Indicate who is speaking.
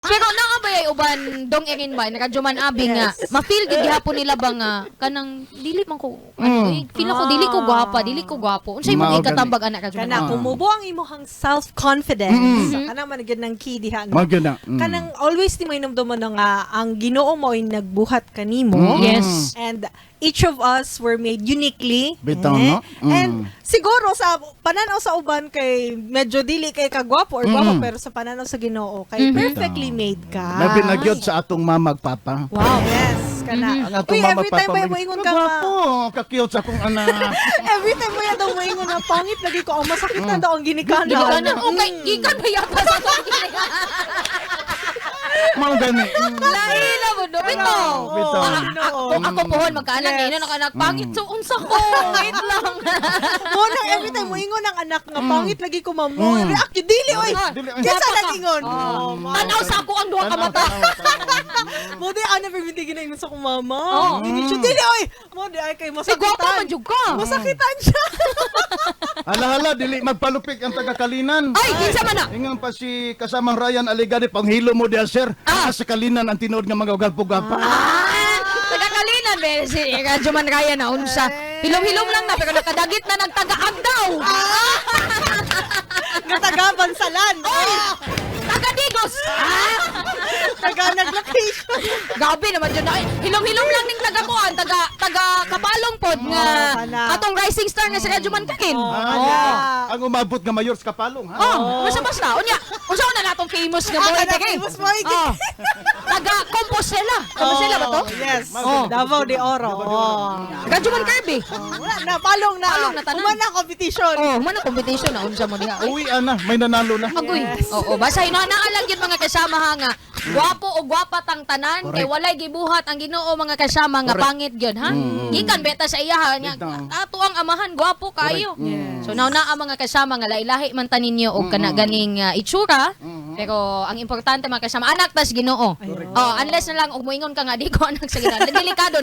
Speaker 1: Pero naabay uban dong erin ba nakajuman abi nga. Ma-feel gid gihapon nila ba nga kanang dili man ko feel ako dili ko gwapo. Unsay mo
Speaker 2: Mao
Speaker 1: ikatambag anak ka
Speaker 3: Kana kumubo ang imong self-confidence. Kana man gyud ng key diha.
Speaker 2: Maganda.
Speaker 3: Kanang always di mo inumduman nga ang Ginoo mo ay nagbuhat kanimo.
Speaker 1: Yes.
Speaker 3: And each of us were made uniquely.
Speaker 2: Bitaw, no?
Speaker 3: And siguro sa pananaw sa uban kay medyo dili kay kagwapo or gwapo pero sa pananaw sa Ginoo kay perfectly made ka.
Speaker 2: Labi na gyud sa atong mamag papa.
Speaker 3: Wow, yes. Kana.
Speaker 2: Ang atong
Speaker 3: Uy,
Speaker 2: mamag
Speaker 3: every time
Speaker 2: papa.
Speaker 3: may moingon ka
Speaker 2: Gwapo, ka-cute sa akong anak.
Speaker 3: every time mo yan daw moingon na pangit lagi ko ang masakit na daw ang ginikana.
Speaker 1: Ginikana okay gikan ba yata sa to.
Speaker 2: Mao gani.
Speaker 1: Laila mo do bitaw.
Speaker 2: Bitaw.
Speaker 1: Ako pohon magkaanak ni anak pangit so unsa ko. Wait lang.
Speaker 3: Mo nang every time moingon ang anak nga pangit lagi ko mamo. React yun, dili oy. Kesa nalingon.
Speaker 1: Tanaw sa ako ang duha ka mata.
Speaker 3: Mo di ana permitigin na ingon sa kong mama. Ini siya dili oy. Mo di ay kay
Speaker 1: Si gwapo man
Speaker 3: masakitan.
Speaker 1: jud ka.
Speaker 3: Masakitan siya.
Speaker 2: Hala-hala, dili magpalupik ang taga-Kalinan.
Speaker 1: Ay, kinsa man na?
Speaker 2: Ingon pa si kasamang Ryan Aligade, panghilo mo diya, sir. Sa Kalinan ang tinuod nga mga ugalpo-gapa.
Speaker 1: Tagakalinan be si Juman Raya na unsa. Hilom-hilom lang na pero nakadagit na nagtagaag daw.
Speaker 3: Gatagaban salan. Oy,
Speaker 1: Tagadigos.
Speaker 3: taga naglocation.
Speaker 1: Gabi naman dyan na. Hilom-hilom lang ning tagakuan, taga kapalong pod nga
Speaker 3: kana.
Speaker 1: atong rising star nga si Juman Kakin.
Speaker 2: Ang umabot nga mayor sa Kapalong, ha?
Speaker 1: Basta-basta. Unya, unsa na natong famous nga boy
Speaker 3: Kada
Speaker 1: Kakin.
Speaker 3: famous boy.
Speaker 1: Taga Compostela. Compostela ba to?
Speaker 3: Yes. Davao de Oro.
Speaker 1: Juman Kirby.
Speaker 3: Wala na, palong na.
Speaker 1: Palong na tanan.
Speaker 3: Umana competition.
Speaker 1: Man ang competition na unsa mo diha.
Speaker 2: Uwi, ana, may nanalo na.
Speaker 1: Agoy. Oo, basta inanaalang yun mga kasama ha nga. Gwapo o gwapa tang tanan kay walay gibuhat ang Ginoo mga kasama nga pangit gyud ha. Gikan beta sa iya ha nya. Ato ang amahan gwapo kayo. So nauna ang mga kasama nga lahi-lahi man tanin niyo og kana ganing itsura. Pero ang importante mga kasama anak tas Ginoo. Oh, unless na lang og moingon ka nga di ko anak sa Ginoo. Delikado